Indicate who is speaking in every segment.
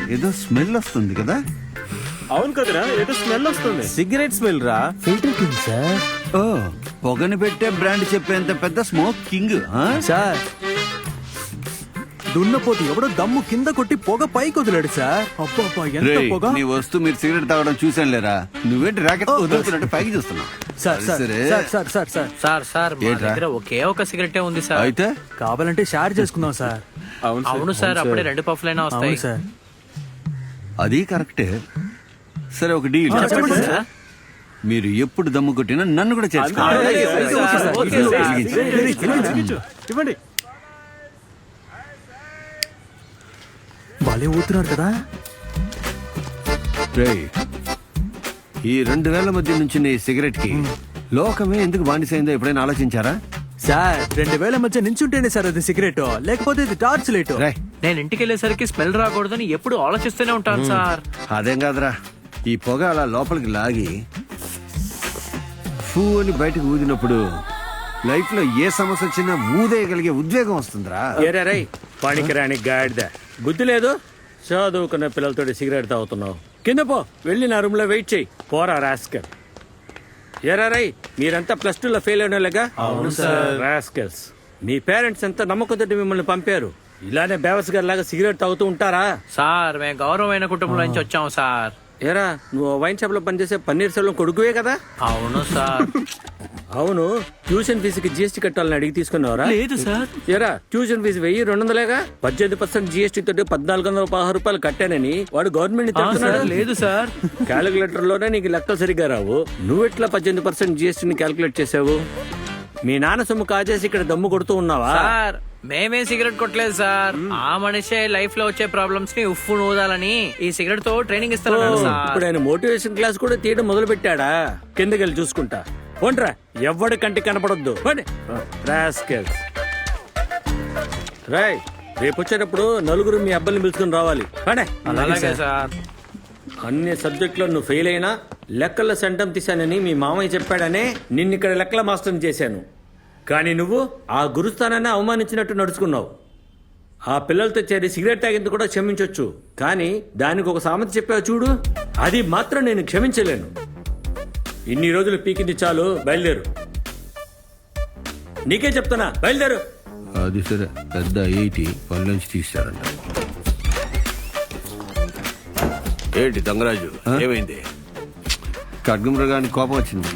Speaker 1: ఏదో స్మెల్ వస్తుంది కదా?
Speaker 2: అవును కదరా, ఏదో స్మెల్ వస్తుంది.
Speaker 3: సిగరెట్ స్మెల్ రా.
Speaker 4: ఫిల్టర్ కింద సార్.
Speaker 1: ఓ, పొగని పెట్టే బ్రాండ్ చెప్పేంత పెద్ద స్మోక్ కింగ్.
Speaker 3: సార్ దున్నపోతు ఎవడో దమ్ము కింద కొట్టి పొగ పైకి వదిలాడు సార్. అబ్బా ఎంత పొగ.
Speaker 1: నీ వస్తూ మీరు సిగరెట్ తాగడం చూసాను లేరా? నువ్వేంటి రాకెట్ వదులుతున్నట్టు పైకి చూస్తున్నావు?
Speaker 3: Sir sir sir sir sir sir
Speaker 4: sir sir మా దగ్గర ఒకే ఒక సిగరెటే ఉంది సార్.
Speaker 1: అయితే
Speaker 3: కావాలంటే షేర్ చేసుకుందాం సార్.
Speaker 4: అవును సార్, అప్పుడే 2 పఫ్లైనా వస్తాయి.
Speaker 3: అవును సార్.
Speaker 1: అది కరెక్టే. సరే, ఒక డీల్.
Speaker 4: చెప్పండి సార్.
Speaker 1: మీరు ఎప్పుడు దమ్ము కొట్టినా నన్ను కూడా
Speaker 2: ఇవ్వండి.
Speaker 3: భలే ఊతున్నారు కదా.
Speaker 1: ఈ 2 వేల మధ్య నుంచి నీ సిగరెట్ కి లోకమే ఎందుకు బానిసైందో ఎప్పుడైనా ఆలోచించారా?
Speaker 3: సార్ 2000 మధ్య నించుంటేనే సార్ అది సిగరెట్, లేకపోతే ఇది టార్చ్ లైట్.
Speaker 4: నేను ఇంటికి వెళ్ళేసరికి స్మెల్ రాకూడదని ఎప్పుడు ఆలోచిస్తూనే ఉంటాను సార్.
Speaker 1: అదేం కాదురా, ఈ పొగ అలా లోపలికి లాగి ఫూ అని బయటకు ఊదినప్పుడు లైఫ్ లో ఏ సమస్య వచ్చినా ఊదేయగలిగే ఉద్వేగం వస్తుందిరా.
Speaker 2: ఏరారై పనికిరాని గాడిద, బుద్ధి లేదు. చదువుకున్న పిల్లలతో సిగరెట్ తాగుతున్నావు. కింద పో, వెళ్ళి నా రూమ్ లో వెయిట్ చెయ్యి. పోరా రాస్కల్. ఏరారై మీరంతా +2లో ఫెయిల్ అయిన వాళ్ళగా?
Speaker 4: అవును సార్.
Speaker 2: రాస్కల్స్, మీ పేరెంట్స్ ఎంత నమ్మకంతో మిమ్మల్ని పంపారు. ఇలానే బేవస్ గారి లాగా సిగరెట్ తాగుతూ ఉంటారా?
Speaker 4: సార్ మేము గౌరవమైన కుటుంబం నుంచి వచ్చాము సార్.
Speaker 2: ఏరా, నువ్వు వైన్ షాప్ లో పనిచేసే పన్నీర్ సెల్వం కొడుకువే కదా?
Speaker 4: అవును సార్.
Speaker 2: అవును, ట్యూషన్ ఫీజుకి GST కట్టాలని అడిగి తీసుకున్నావరా?
Speaker 4: లేదు సార్.
Speaker 2: ఏరా, ట్యూషన్ ఫీజు 1200 18% GST తోటి 1416 రూపాయలు కట్టానని వాడు గవర్నమెంట్
Speaker 4: లేదు సార్.
Speaker 2: క్యాలిక్యులేటర్ లోనే నీకు లెక్కలు సరిగ్గా రావు. నువ్వెట్లా 18% GST క్యాలిక్యులేట్ చేసావు? మీ నాన్న సొమ్ము కాజేసి ఇక్కడ దమ్ము కొడుతూ ఉన్నావా?
Speaker 4: సార్ మేమే సిగరెట్ కొట్టలేదు సార్. ఆ మనిషే లైఫ్ లో వచ్చే ప్రాబ్లమ్స్ ని ఉఫ్ఫు నూదాలని ఈ సిగరెట్ తో ట్రైనింగ్ ఇస్తున్నాడు సార్.
Speaker 2: ఇప్పుడు ఆయన మోటివేషన్ క్లాస్ కూడా తీయడం మొదలు పెట్టాడా? కిందకెళ్ళి చూసుకుంటా. పోండ్రా, ఎవడి కంటికి కనపడొద్దు. రాయ్, రేపు వచ్చేటప్పుడు నలుగురు మీ అబ్బాయిని పిలుచుకుని రావాలి.
Speaker 4: అలాగే సార్.
Speaker 2: అన్ని సబ్జెక్టులో నువ్వు ఫెయిల్ అయినా లెక్కల్లో సెంటం తీశానని మీ మామయ్య చెప్పాడనే నిన్నిక్కడ లెక్కల మాస్టర్ని చేశాను. కానీ నువ్వు ఆ గురుస్థానాన్ని అవమానించినట్టు నడుచుకున్నావు. ఆ పిల్లలతో చేరి సిగరెట్ తాగింది కూడా క్షమించొచ్చు, కానీ దానికి ఒక సామెత చెప్పావు చూడు, అది మాత్రం నేను క్షమించలేను. ఇన్ని రోజులు పీకింది చాలు, బయలుదేరు. నీకే చెప్తున్నా, బయలుదేరు.
Speaker 1: అది సరే, పెద్ద 80 పని నుంచి తీశారంట.
Speaker 5: ఏంటి దంగరాజు, ఏమైంది?
Speaker 1: ఖడ్గమృగానికి కోపం వచ్చింది.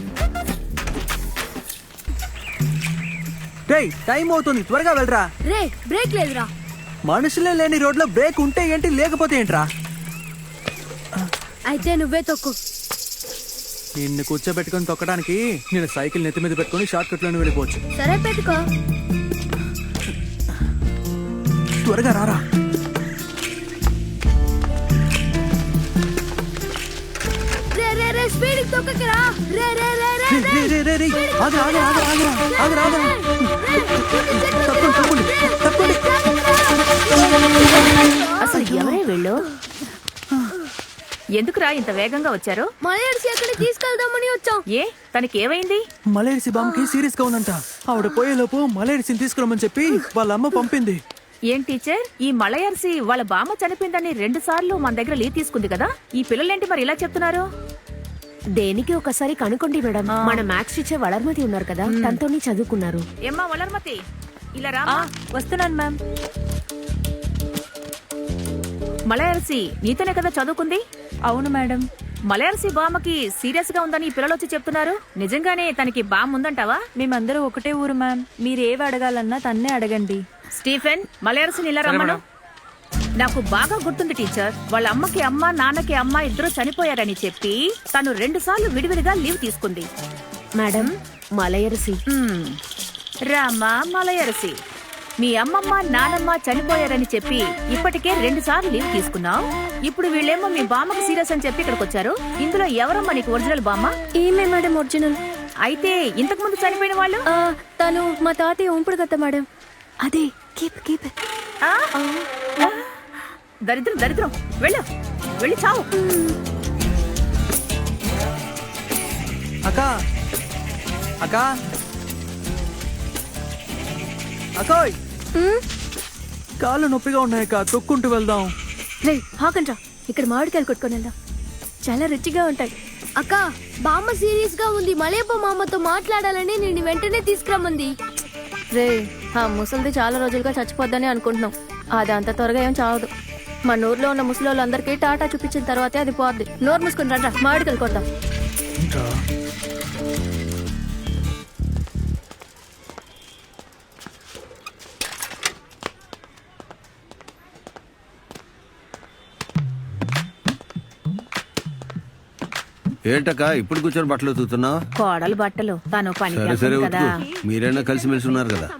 Speaker 3: టైం అవుతుంది, త్వరగా వెళ్ళరా.
Speaker 6: రే, బ్రేక్ లేదురా.
Speaker 3: మనుషులే లేని రోడ్లో బ్రేక్ ఉంటే ఏంటి, లేకపోతే ఏంట్రా?
Speaker 6: అయితే నువ్వే తొక్కు.
Speaker 3: నిన్ను కూర్చోబెట్టుకుని తొక్కడానికి నేను సైకిల్ నెత్తి మీద పెట్టుకుని షార్ట్ కట్ లోనే వెళ్ళిపోవచ్చు.
Speaker 6: సరే పెట్టుకో.
Speaker 3: త్వరగా రారా.
Speaker 6: రే రే రే, స్పీడ్ తొక్కకరా. రే రే రే రే
Speaker 3: రే రే రే రే, ఆగరా ఆగరా ఆగరా ఆగరా ఆగరా. తప్పండి తప్పండి తప్పండి.
Speaker 7: అసలు ఎవరే వీళ్ళు? ఎందుకురా ఇంత వేగంగా వచ్చారు?
Speaker 6: మలయర్సి ఎక్కడ తీసుకెళ్దామని వచ్చాం.
Speaker 7: ఏ తనకి ఏమైంది?
Speaker 3: మలేరిసి బామ్మకి సీరియస్ గా ఉందంట. ఆవిడ పోయేలోపు మలేరిసిని తీసుకురమ్మని చెప్పి వాళ్ళ అమ్మ పంపింది.
Speaker 7: ఏం టీచర్, ఈ మలయర్సి వాళ్ళ బామ్మ చనిపోయిందని 2 సార్లు మన దగ్గర లీవ్ తీసుకుంది కదా, ఈ పిల్లలేంటి మరి ఇలా చెప్తున్నారు?
Speaker 6: దేనికి ఒకసారి కనుకోండి మేడం. మన మ్యాథ్స్ టీచర్ వలర్మతి ఉన్నారు కదా, తనతోని చదువుకున్నారు.
Speaker 7: ఏమ్మా వలర్మతి, ఇలా రా.
Speaker 6: వస్తున్నాను మ్యామ్.
Speaker 7: మలయర్సి నీతోనే కదా చదువుకుంది?
Speaker 6: అవును మేడం.
Speaker 7: మలయర్సి బామ్మకి సీరియస్ గా ఉందని ఈ పిల్లలు వచ్చి చెప్తున్నారు. నిజంగానే తనకి బామ్మ ఉందంటావా?
Speaker 6: మేమందరూ ఒకటే ఊరు మ్యామ్. మీరేవి అడగాలన్నా తన్నే అడగండి.
Speaker 7: స్టీఫెన్, మలయర్సిని ఇలా రమ్మను. నాకు బాగా గుర్తుంది టీచర్, వాళ్ళ అమ్మకి అమ్మ నాన్నకి అమ్మ ఇద్దరు చనిపోయారని చెప్పి తను 2 సార్లు విడివిడిగా లీవ్ తీసుకుంది.
Speaker 6: మేడం, మలయర్సి.
Speaker 7: రామా మలయర్సి, మీ అమ్మమ్మ నానమ్మ చనిపోయారని చెప్పి ఇప్పటికే 2 సార్లు లీవ్ తీసుకున్నావు. ఇప్పుడు వీళ్ళేమో మీ బామ్మకి సీరియస్ అని చెప్పి ఇక్కడికి వచ్చారు. ఇందులో ఎవరమ్మా నీకు ఒరిజినల్ బామ్మ?
Speaker 6: ఈమె మేడం ఒరిజినల్.
Speaker 7: అయితే ఇంతకు ముందు చనిపోయిన వాళ్ళు?
Speaker 6: తను మా తాతయ్య ఉంపుడు కదా మేడం. అదే కీప్.
Speaker 7: దరిద్రం దరిద్రం, వెళ్ళు వెళ్ళి చావు.
Speaker 3: అక్క అక్క అక్కోయ్, కాళ్ళు నొప్పిగా ఉన్నాయక్క, తొక్కుంటూ వెళ్దాం.
Speaker 6: రే ఆగండ్రా, ఇక్కడ మామిడికాయలు కొట్టుకొని వెళ్దాం, చాలా రుచిగా ఉంటాయి.
Speaker 8: అక్క బామ్మ సీరియస్ గా ఉంది, మలేపో మామతో మాట్లాడాలని నేను వెంటనే తీసుకురమ్మంది.
Speaker 6: రే ఆ ముసలిది చాలా రోజులుగా చచ్చిపోద్దని అనుకుంటున్నాం. అది అంత త్వరగా ఏం చావదు. మన ఊర్లో ఉన్న ముసలోళ్ళందరికీ టాటా చూపించిన తర్వాతే అది పోద్ది. నోరు మూసుకుని రండ్రా, మామిడికాయలు కొద్దాం.
Speaker 1: ఏంటక్క ఇప్పుడు కూర్చొని బట్టలు ఉతుకుతున్నావు?
Speaker 7: కోడలు బట్టలు తను పని
Speaker 1: సరే సరే
Speaker 7: కదా.
Speaker 1: ఉతుకు, మీరైనా కలిసిమెలిసి ఉన్నారు కదా.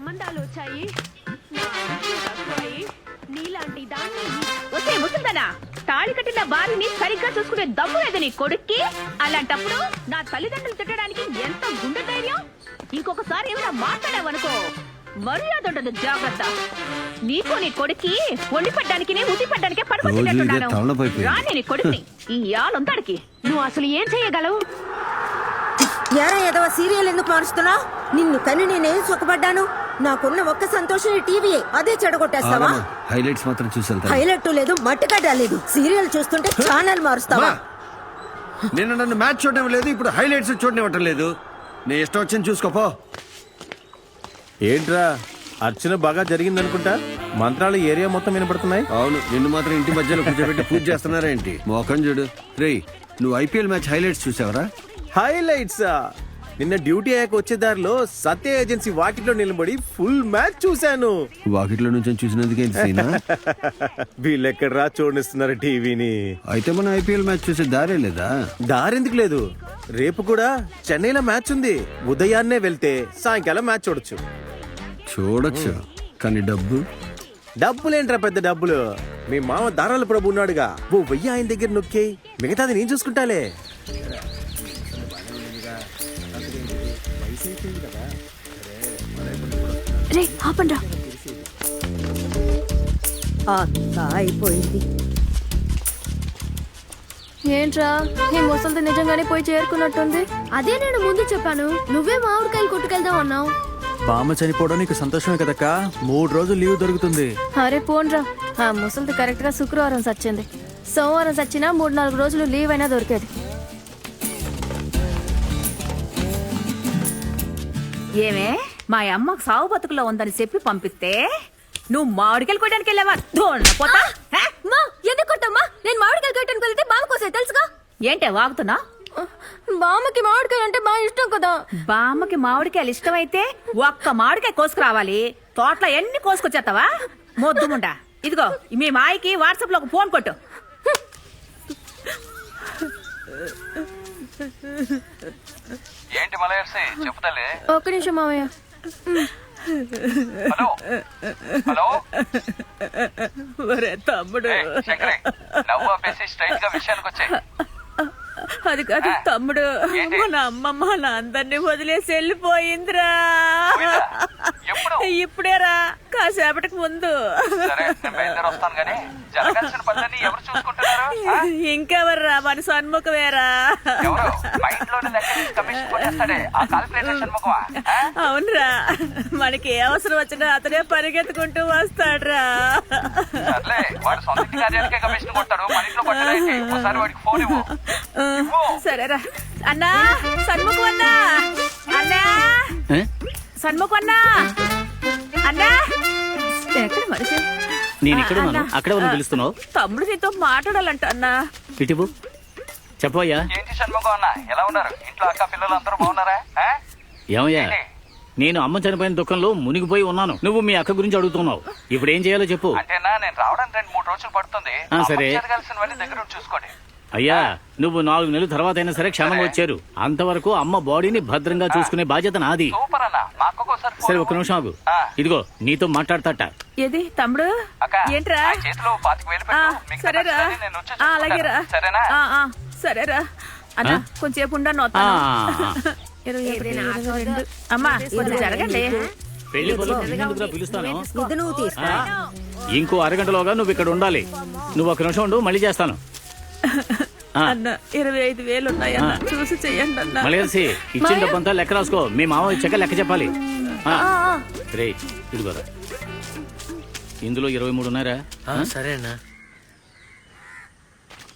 Speaker 7: వచ్చే ముసల్దానా, తాళి కట్టిన భార్యని సరిగ్గా చూసుకునే దమ్ము లేదు నీ కొడుక్కి. అలాంటప్పుడు నా తల్లిదండ్రులు తిట్టడానికి ఎంత గుండె ధైర్యం. ఇంకొకసారి ఏమైనా మాట్లాడావనుకో మర్యాద ఉండదు, జాగ్రత్త. నీకు నీ కొడుక్కి వండి పడ్డానికి ఉతి పడ్డానికే పడుకుంటున్నాను. రాని నీ కొడుకుని ఈ యాలుంతాడికి నువ్వు అసలు ఏం చెయ్యగలవు?
Speaker 9: యారా ఏదో సీరియల్ ఎందుకు మారుస్తున్నావు? నిన్ను కని నేనేం సుఖపడ్డాను? నాకున్న ఒక్క సంతోషం ఈ టీవీ, అదే చెడగొట్టేస్తావా?
Speaker 1: హైలైట్స్ మాత్రం చూసి వెళ్తా.
Speaker 9: హైలైట్ లేదు, మట్టుగడ్డ లేదు. సీరియల్ చూస్తుంటే ఛానల్ మారుస్తావా?
Speaker 1: నిన్న నన్ను మ్యాచ్ చూడడం లేదు, ఇప్పుడు హైలైట్స్ చూడనివ్వటం లేదు. నీ ఇష్టం వచ్చింది చూసుకోపో.
Speaker 10: ఏంట్రా అర్చన బాగా జరిగిందనుకుంటా, మంత్రాలు ఏరియా మొత్తం వినపడుతున్నాయి.
Speaker 1: అవును, నిన్ను మాత్రం ఇంటి మధ్యలో కూర్చోబెట్టి పూజ చేస్తున్నారేంటి? మోకం చూడు. రేయ్, నువ్వు ఐపీఎల్ మ్యాచ్ హైలైట్స్ చూసావరా?
Speaker 10: హైలైట్స్ నిన్న డ్యూటీ అయ్యాక వచ్చే దారిలో సత్య ఏజెన్సీ వాకిట్లో నిలబడి ఫుల్ మ్యాచ్ చూశాను.
Speaker 1: వాకిట్లో నుంచి చూసినందుకే సీనా?
Speaker 10: వీళ్ళెక్కడరా చూడనిస్తున్నారు టీవీని?
Speaker 1: అయితే మనం ఐపీఎల్ మ్యాచ్ చూసే దారే లేదా?
Speaker 10: దారెందుకు లేదు, రేపు కూడా చెన్నైలో మ్యాచ్ ఉంది. ఉదయాన్నే వెళ్తే సాయంకాలం మ్యాచ్ చూడొచ్చు.
Speaker 1: చూడొచ్చు, కానీ
Speaker 10: డబ్బులేంట్రా పెద్ద డబ్బులు. మీ మామ దారాల ప్రభు ఉన్నాడుగా, ఓ 1000 ఆయన దగ్గర నొక్కే, మిగతాది నేను చూసుకుంటాలే.
Speaker 6: రే ఆపండ్రా.
Speaker 9: అయిపోయింది.
Speaker 6: ఏంట్రా ఈ ముసలిది నిజంగానే పోయి చేరుకున్నట్టుంది?
Speaker 8: అదే నేను ముందు చెప్పాను, నువ్వే మామిడికాయలు కొట్టుకెళ్దాం అన్నావు.
Speaker 3: బామ్మ చనిపోవడం నీకు సంతోషమే కదక్క, 3 రోజులు లీవ్ దొరుకుతుంది.
Speaker 6: అరే పోన్రా, ఆ ముసలిది కరెక్ట్ గా శుక్రవారం సచ్చింది. సోమవారం సచ్చినా 3-4 రోజులు లీవ్ అయినా దొరికేది.
Speaker 7: ఏమే మా అమ్మకు సాగు బతుకులో ఉందని చెప్పి పంపిస్తే నువ్వు మామిడికాయలు కొట్టడానికి వెళ్ళావా? పోతా
Speaker 8: ఎందుకు కొట్టమ్మా? నేను మామిడికాయలు కొట్టడానికి వెళ్తే బామ్మ కోసం తెలుసుగా.
Speaker 7: ఏంటే వాగుతున్నా?
Speaker 8: బామ్మకి మామిడికాయ అంటే బాగా ఇష్టం కదా.
Speaker 7: బామ్మకి మామిడికాయలు ఇష్టమైతే ఒక్క మామిడికాయ కోసుకురావాలి. తోటలో ఎన్ని కోసుకొచ్చేస్తావా మొద్దుముండా? ఇదిగో మీ మాయకి వాట్సాప్ లో ఒక ఫోన్ కొట్టు.
Speaker 11: ఏంటి మలయర్సి చెప్తాలే.
Speaker 6: ఒక్క నిమిషం మామయ్య.
Speaker 11: హలో హలో
Speaker 7: ఒరే తమ్ముడు,
Speaker 11: శంకరే, నవ్వు ఆపేసి స్ట్రైట్ గా విషయానికి వచ్చాయి.
Speaker 7: అది కాదు తమ్ముడు, మన అమ్మమ్మ నా అందరినీ వదిలేసి వెళ్ళిపోయిందిరా.
Speaker 11: ఎప్పుడు?
Speaker 7: ఇప్పుడేరా, కాసేపటికి ముందు.
Speaker 11: సరే, నేను బయలుదేరి వస్తాను గానీ జరగాల్సిన పనులన్నీ ఎవరు చూసుకుంటున్నారు?
Speaker 7: ఇంకెవర్రా, మన సన్ముఖమేరా.
Speaker 11: ఎవరు? మైండ్ లోనే లెక్క తీసి కమిషన్ కొట్టేస్తాడే ఆ కాల్కులేటర్ షణ్ముఖమా?
Speaker 7: అవునరా, మనకి ఏ అవసరం వచ్చినా అతనే పరిగెత్తుకుంటూ వస్తాడ్రా.
Speaker 11: సర్లే, వాడు సొంత ఇంటి కార్యాలకే కమిషన్ కొట్టాడు, మన ఇంట్లో కొట్టడానికి. ఒకసారి వాడికి ఫోన్ ఇవ్వు.
Speaker 7: సరేరా అన్నా, సన్ముఖం అన్నా, అన్నా సన్ముఖం అన్నా, అన్నా ఎక్కడ మనిషి?
Speaker 12: నేను ఇక్కడ ఉన్నాను, అక్కడ ఉన్న పిలుస్తున్నావు.
Speaker 7: తమ్ముడు నీతో మాట్లాడాలంట అన్నా.
Speaker 12: ఇటువు చెప్పయ్యా.
Speaker 11: ఏంటి షణ్ముఖం అన్న, ఎలా ఉన్నారు? ఇంట్లో అక్క పిల్లలు అందరూ బాగున్నారా?
Speaker 12: ఏమయ్యా, నేను అమ్మ చనిపోయిన దుఃఖంలో మునిగిపోయి ఉన్నాను. నువ్వు మీ అక్క గురించి అడుగుతున్నావు. ఇప్పుడు ఏం చేయాలో చెప్పు.
Speaker 11: అంటేనా, నేను రావడానికి 2-3 రోజులు పడుతుంది.
Speaker 12: సరే,
Speaker 11: జరగాల్సినవన్నీ దగ్గర చూసుకోండి.
Speaker 12: అయ్యా, నువ్వు 4 నెలల తర్వాత అయినా సరే క్షేమంగా వచ్చారు. అంతవరకు అమ్మ బాడీని భద్రంగా చూసుకునే బాధ్యత నాది.
Speaker 11: సూపర్ అన్న, మా అక్కకు ఒకసారి
Speaker 12: సరే, ఒక్క నిమిషం ఆగు. ఇదిగో నీతో మాట్లాడతాట.
Speaker 7: ఏది తమ్ముడు? ఏంట్రా?
Speaker 11: చేతిలో 25,000 పెట్టు.
Speaker 7: సరేరా, అలాగేరా.
Speaker 11: సరేనా?
Speaker 7: సరేరా అన్నా, కొంచెంసేపు ఉండను. అమ్మా కొంచెం జరగండి.
Speaker 12: పెళ్లి పనులు పిలుస్తాను.
Speaker 9: నువ్వు తీసుకో.
Speaker 12: ఇంకో అరగంటలోగా నువ్వు ఇక్కడ ఉండాలి. నువ్వు ఒక నిమిషం ఉండు, మళ్ళీ చేస్తాను.
Speaker 7: అన్న 25,000 ఉన్నాయన్న, చూసి చెయ్యండి అన్న.
Speaker 12: మలయర్సి, ఇచ్చిన డబ్బంతా లెక్క రాసుకో. మీ మామ ఇచ్చాక లెక్క చెప్పాలి. రే ఇదిగోరా, ఇందులో 23 ఉన్నారా?
Speaker 4: సరేనా?